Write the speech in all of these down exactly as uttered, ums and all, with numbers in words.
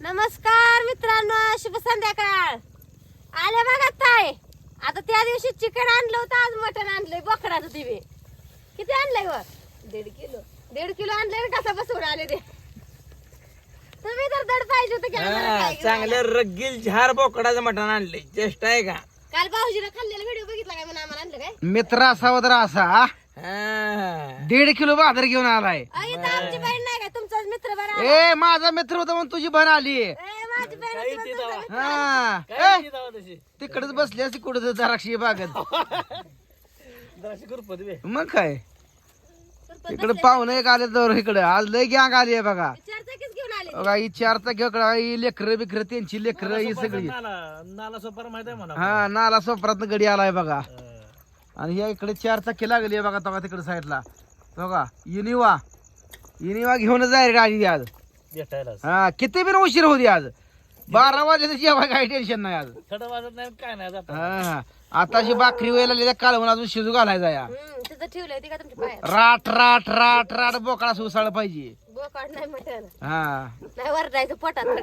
नमस्कार मित्रांनो, शुभ संध्याकाळ. आले बघा ताई. आता त्या दिवशी चिकन आणलं होतं, आज मटण आणलंय बोकडाचं. दिवे किती आणलंय व? दीड किलो दीड किलो आणलंय. कसा बसवून आले ते तुम्ही तर दड पाहिजे होतं की आम्हाला काय चांगलं रगील झार बोकडाचं मटण आणले. चेष्टा आहे का? काल भाऊजीने खाल्लेला व्हिडिओ बघितला काय? म्हणून आम्हाला आणलं काय? मित्र असावा तर असा हा. दीड किलो बाजार घेऊन आलाय. आई तर आमची बहीण नाही का? तुमचाच मित्र बरा. ए माझा मित्र होता म्हणून तुझी बहीण आली. ए माझी बहीण होती म्हणून तुमचा मित्र. हा काय ए, ती जावा तशी? तिकडच बसली असती कुठं द्राक्षी बागत. जराशी कुरपत बे. मग काय सरपंच इकडे पाहुणे एक आले तर इकडे आज लय गॅंग आली आहे बघा. चार चाकीच घेऊन आले. बघा ही चार चाकी ही लेकर बिकर त्यांची लेकर ही सगळी. नाला नाला सोपार माहित आहे म्हणा. हा नाला सोपरात गडी आलाय बघा. आणि ह्या इकडे चार चाकी लागली आहे बघा. बघा तिकडे साईडला बघा इनिवा इनिवा घेऊनच जाय रे आली आज. भेटायला हा किती बिन उशीर होती आज. बारा वाजले तर जेव्हा काही टेन्शन नाही आज. थड वाजत नाही काय नाही जात. हा आताशी भाकरी व्हायला कालवून अजून शिजू घालायचा या. हम्म, तिथं ठेवलंय ती का तुमच्या पायात? राट राट राट राट बोकडा सुसाळ पाहिजे. बोकाड नाही मटण हा नाही वरडायचं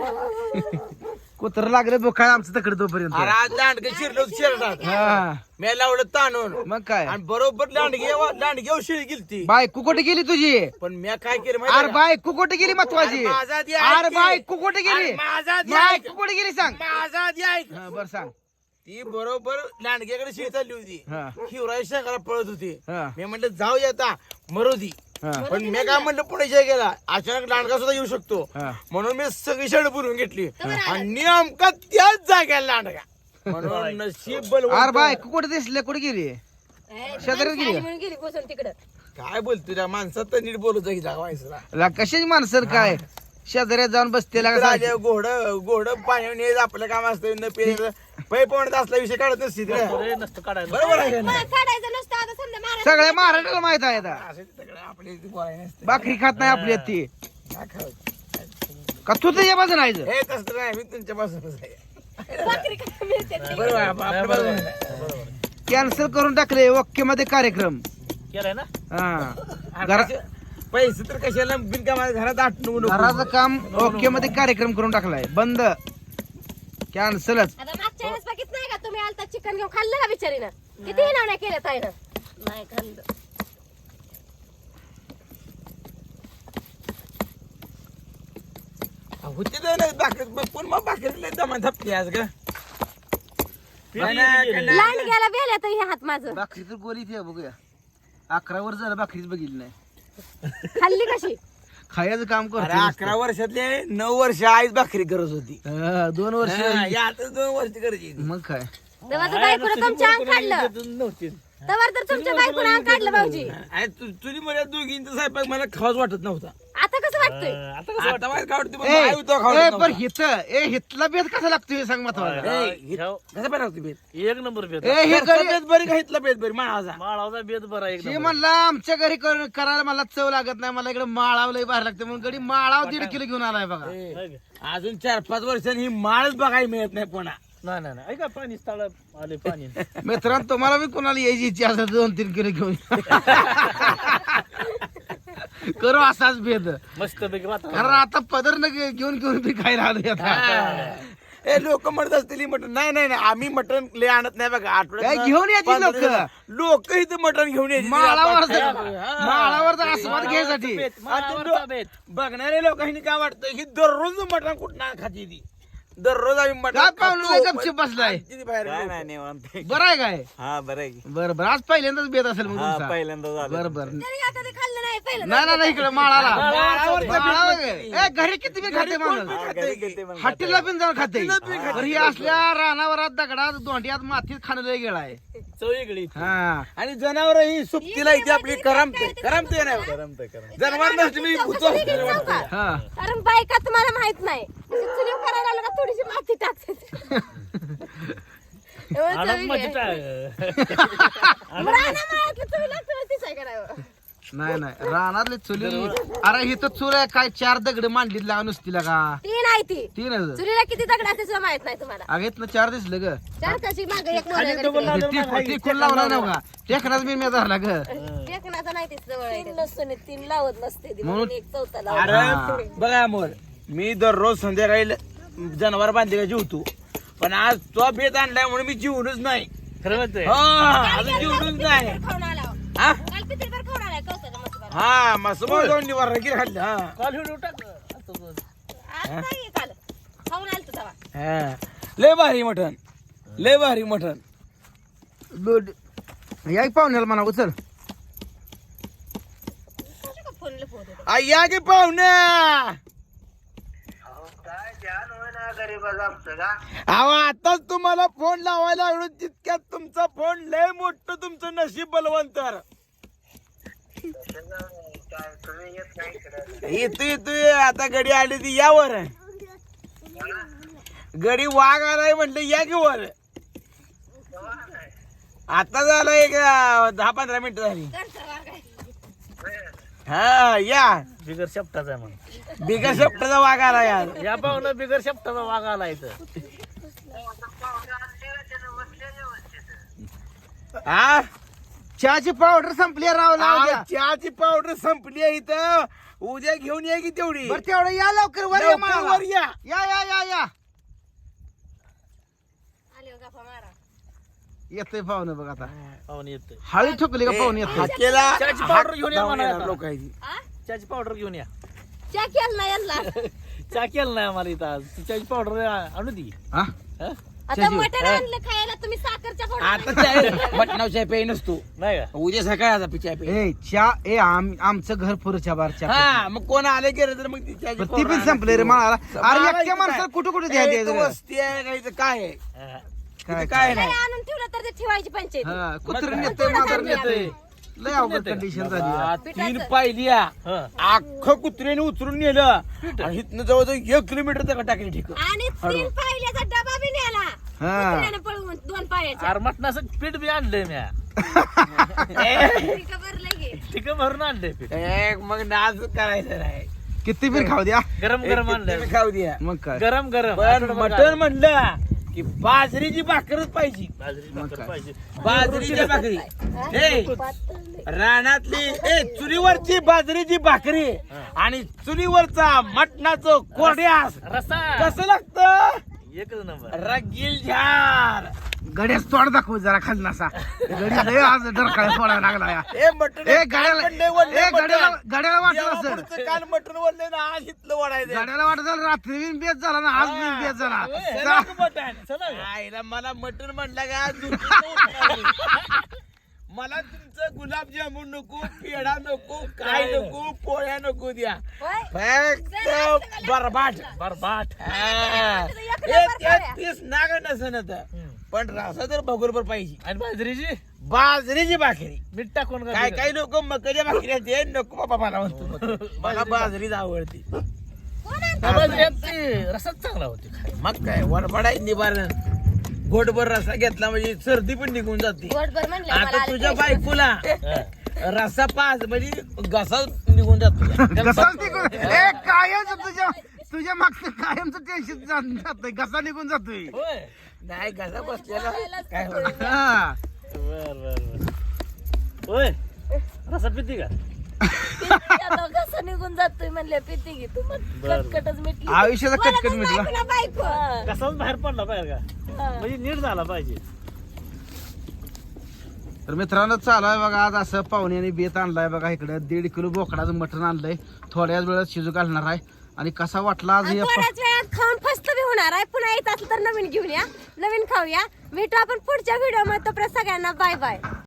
पोटात. कुत्र लागलं बोकाळ आमचं तकडे तोपर्यंत. अरे आज लांडगे शिरलो शिरतात. हा मी लावलं ताणून मग काय आणि बरोबर लांडगे लांडगे शिळ गेलती. बायको कुठे गेली तुझी? पण मी काय केलं माहिती अरे बायको कुठे गेली महत्वाची? अरे माझा ती ऐक अरे की. बायको कुठे गेली? अरे माझा ती ऐक. बायको कुठे गेली सांग. माझा ती ऐक. हा बर सांग. ती बरोबर लांडग्याकडे शिळ चालली होती. हा शिवराज शंकरा पळत होती. हा मी म्हटलं जाऊ आता मरू दी. हा पण मी काय म्हणलं पुणे जय गेला अचानक लांडगा सुद्धा येऊ शकतो हा. म्हणून मी सगळी शर्ट भरून घेतली आणि नेमका त्याच जाग्याला लांडगा. म्हणून नशीब बलवंत. अरे बायको कुठे दिसले? कुठे गेली? शेजारीच गेली का? म्हणून गेली बसून तिकडं. काय बोलतो त्या माणसात तर नीट बोलत जागी जागवायचं. ला कशाची माणसं काय शेजाऱ्यात जाऊन बसते लागा सारखी. घोड घोड पाणी नेत आपलं काम असतं न पिण्याचं पै पवण्यात असला विषय काढत नसते तिला. बरोबर आहे का नाही? मग काढायचं नसतं आता समजा महाराज. सगळ्या महाराष्ट्राला माहित आहे आता. असं तिकडे आपल्या इथे बोलायला नसतं. भाकरी खात नाही आपली ती काय खावं? का तू तुझ्या बाजून आहे हे तसं नाही मी तुमच्या बाजूनच आहे. भाकरी काय मिळते ती. बरोबर आहे, आप- आपल्या बाजूनच आहे. कॅन्सल करून टाकले ओके मध्ये कार्यक्रम. केलंय ना हा घरा- पैसे तर कशाला बिनकामाच्या घरात आठवून घराचं काम ओके मध्ये कार्यक्रम करून टाकलाय. बंद कॅन्सलच. आता मागच्या वेळेस बघित नाही का तुम्ही आलता चिकन घेऊन खाल्लं का बिचारीनं? किती नावण्या केल्या ताईनं? नाही खाल्लं. होते तर नाही भाकरी पण मग भाकरी जमा धपली आज का. नाही, नाही, नाही. लांड गेला बेल्या तर हे हात माझं भाकरी तर गोली ती आहे, बघूया अकरा वर्ष झालं भाकरीच बघितली नाही. खाल्ली कशी? खायचं काम अरे करतो अकरा वर्षातले नऊ वर्ष आईच भाकरी करत होती. हा, दोन वर्ष हा, यातच दोन वर्ष करायची. मग काय तेव्हा बायकोनं तुमच्या अंग काढलं. तेव्हा तर तुमच्या बायकोनं अंग काढलं भाऊजी. आणि तु- तुझी मला दोघींचा स्वयंपाक मला खावाच वाटत नव्हता. आता कसं वाटतंय? आता माहित काय वाटतं, पण ए, आई होता खावत ए, नव्हता. पण हित ए हितला बेत कसा लागतो हे सांग महत्वाचं. ए, हि- कसं पाहिजे लागतो बेत? एक नंबर बेत ए हे घरचा घरी बेत बरी का हितला बेत बरी माळाचा? माळाचा बेत बरा एक हे नंबर म्हणला आमच्या घरी कर- करायला मला चव लागत नाही, मला इकडे माळाव लय बाहेर लागते म्हणून गडी माळाव दीड किलो घेऊन आलाय बघा. ए, आहे का? अजून चार पाच वर्षांनी ही माळच बघायला मिळत नाही पुन्हा. नाही नाही नाही ऐका पाणी तळ आले पाणी मित्रांनो तुम्हाला मी कोणाला यायची इच्छा असेल तर दोन तीन किलो घेऊन करू असाच भेद. मस्त पैकी वातावरण कारण आता पदर न घे- घेऊन घेऊन बी खायला आलोय आता. ए लोक म्हणत असतील मटण. नाही नाही नाही आम्ही मटण लय आणत नाही बघा. काय घेऊन यायची लोकं? लोक इथं मटण घेऊन यायची. माळावर हा. माळावरचा आस्वाद घ्यायसाठी. बेत, आणि माळावरचा लो- बेत बघणाऱ्या लोकांनी काय वाटतं ही दररोज मटण कुठं खाती ती. दररोज आम्ही मटण काय पाहुणं खातो, लय गपचूप बसलाय? आणि तिथे बाहेर काय लोकं. नाही निवांत आहे. बरं आहे काय? हा बरं आहे की. बरं बरं आज पहिल्यांदाच बेत असेल मग हा तुमचा. पहिल्यांदा झालं. बरं बरं तरी का कधी खाल्लं नाही पहिलं? नाही ना नाही इकडे माळाला माळावर माळावर बेत ए घरी किती बी खाते माणूस. हा, घरी गेलते पण हॉटेलला पण जाऊन खाते. हॉटेलला बी खाते. तर ही असल्या रानावरात दगडात दोंड्यात मातीत खाणं लय गेला आहे. चव वेगळी हा आणि जनावर ही सुप्तीला इथे आपली करमते करमते नाही करमतं करमतं. जनावर नसते मी भूतो. का? हा कारण बायका तुम्हाला माहित नाही चुलीव करायला आलं का थोडीशी माती टाकते. एवढं आणत चवीक म्हणजे आहे. काय बरं, आणा माळातलं चवीला चव तीच आहे करावं. नाही नाही रानातले चुली अरे ही तर चुल आहे काय चार दगड मांडलीत लागा नुसती लागा ती नाही ती तीन चुलीला किती दगड असते सुद्धा माहित नाही तुम्हाला. अगेत ना चार दिसलं ग. चार त्याची मागे एक मोहऱ्या तो कडे. बोलला- ती ती कोण लावला नव्ह का टेकनाच मी धरला ग. टेकनाचा नाही तीच जवळ आहे. तीन नसतो नी, तीन लावत नसते ती. म्हणून- म्हणून एक चौथा लावत. अरे बघा मोर मी दररोज संध्याकाळी जनावर बांधलेला जेवतो पण आज तो बेत आणलाय म्हणून मी जीवनच नाही. खरं म्हणतोय हा अजून जीवनच नाही. खाऊन आला हो. हा काल पितळभर खाऊन आलाय कौसाचा मस्त हा मस्त दोन निवार रगीर खाल्लं. हा कॉल व्हिडिओ टाक आता आज नाही काल खाऊन आलतो तेव्हा. हा. लय भारी मटण लय भारी मटण. या की पाहुण्याला म्हणा उचल. कशा का फोन लपवत होते? आ, या की पाहुण्या. अहो आताच तुम्हाला फोन लावायला लागलो तितक्यात तुमचा फोन लय मोठं तुमचं नशीब बलवंतर. येतो येतोय आता गडी आली ती यावर. गडी वाघ आलाय म्हटलं या की वर. आता झालं एक अं, दहा पंधरा मिनिटं झाली. घरचा वाघ आहे. हा या बिगर शब्दाचा आहे म्हणून बिगर शेपटाचा वाघ आला यार. या पाहुणं बिगर शब्दाचा वाघ आला इथं. हा चहाची पावडर संपली आहे राव लाव द्या. आ, चहाची पावडर संपली आहे इथं. उद्या घेऊन या की तेवढी. बरं तेवढं या लवकर वर या लवकर मला. वर या. या या या या आले हो गप्पा मारा. येतोय पाहुणे बघ आता. पाहुणे येतोय हळी ठोकली का पाहुणे येतोय. हाकेला चहाची पावडर घेऊन या हात म्हणा लावून आता. लोक आहे ती. हा? चहाची पावडर घेऊन या. चहा केला नाही यांना. चहा केलं नाही आम्हाला इथं आज. चहाची पावडर आणू दे. हा? हा? आता मटण आणलं खायला तुम्ही साखरच्या आता फोडा. चाय मटणाव चाय प्याय नसतो. नाही का उद्या सकाळी आता चाय प्याय. ए चहा ए आम- आमचं घर पुरच्या बार चहा. हा मग कोण आले गेले तर मग ती चहाची पण ती पावडर पण संपले रे आणायची. मला. अरे मला एकट्या इथं माणसाला काय? कुठं कुठं ए, द्यायचं इथं रे? वस्ती आहे का इथं काय आहे? हा. काय इथं काय घरी नाही. आणून ठेवलं तर ते ठेवायची पंचायत. हा, कुत्रं मग नेतंय काय? मांजर नेतंय. लय अवघड कंडिशन झाली आ, आहे. तीन पिठाचं. पाहिल्या हा. अख्खं कुत्र्याने उचलून नेलं आणि इथनं जवळजवळ एक किलोमीटर तक टाकली ठीक. आणि तीन पाहिल्याचा डबा बी नेला. हा. कुत्र्यानं पळवून दोन पायाच्या. अरे मटणाचं पीठ बी आणलंय म्या. ठीक भरलंय की. ठीक भरून आणलंय पीठ. एक मग नाच करायचं नाही. किती पण खाऊ द्या. गरम गरम आणलंय. एक खाऊ द्या. मग काय गरम गरम पण आठवडाभर मटण घाल. म्हणलं की बाजरीची भाकरच पाहिजे. बाजरीची मग भाकर काय? पाहिजे. बाजरीची भाकरी ए रानातली ए चुलीवरची बाजरीची भाकरी आणि चुलीवरचा मटणाचं कोरड्यास रस्सा कसं लागतं? एकच नंबर. रगील झार. गड्याच तोड दाखव जरा खाली नसा. गडी लय आज डरकाळ फोडायला लागला या. ए मटण ए गड्याला ए गड्याला गड्याला वाटलं असेल. देवापुरतं काल मटण वळले ना आज इथलं वडायचं. गड्याला वाटत झालं रात्री बिन बेत झाला ना आज बिन बेत झाला. चला की मटण. चला का? आईला मला मटण म्हणलं का आज झोपेतनं उठणार नाही. मला तुमचं गुलाबजामुन नको पेढा नको काय नको पोळ्या नको द्या होय? फक्त बरबाट बरबाट. हा. एक ए, नंबर त्यात पोळ्या. तीच नाग नसन हम्म. पण रसा तर बरोबर पाहिजे. आणि बाजरीची बाजरीची भाकरी. मीठ टाकून का काय बिगर? काय लोक मकाच्या भाकरी ते नको बाबा मला म्हणतो. मला बाजरीच आवडते. कोण आणतं? त्या बाजरीत ते रसाच चांगला होते खायला. मग काय वरफडाय निवारण गोडभर रसा घेतला म्हणजे सर्दी पण निघून जाते. गोडभर म्हणलं मला आता आले तुझ्या पैसे. बायकोला हा. रसा पाच म्हणजे घसा निघून जातो. घसाच निघून ए कायमच तुझ्या तुझ्या मागचं कायमचं टेन्शन जात घसा निघून जातोय. होय. नाही घसा बसलेला काय होत. हा. बर बर बर. होय रसा पिती का? आता कसं निघून जातोय म्हणले पिती घे तू मग बरं. कटकटच मिटली. आयुष्याचा बोलतच कटकट नाही मिटला. पुन्हा बायको. कसाच बाहेर पडला पाहिजे का? हा. म्हणजे नीट झाला पाहिजे. तर मित्रांनो चालू आहे बघा आज असं पाहुण्याने बेत आणलाय बघा इकडे दीड किलो बोकडाचं मटण आणलंय. थोड्याच वेळात शिजू घालणार आहे. आणि कसा वाटला आज आणि हे थोड्याच वेळात खाऊन फस्त बी होणार आहे. पुन्हा येत असलं तर नवीन घेऊन या, नवीन खाऊया. भेटू आपण पुढच्या व्हिडिओ मध्ये. तोपर्यंत सगळ्यांना बाय बाय.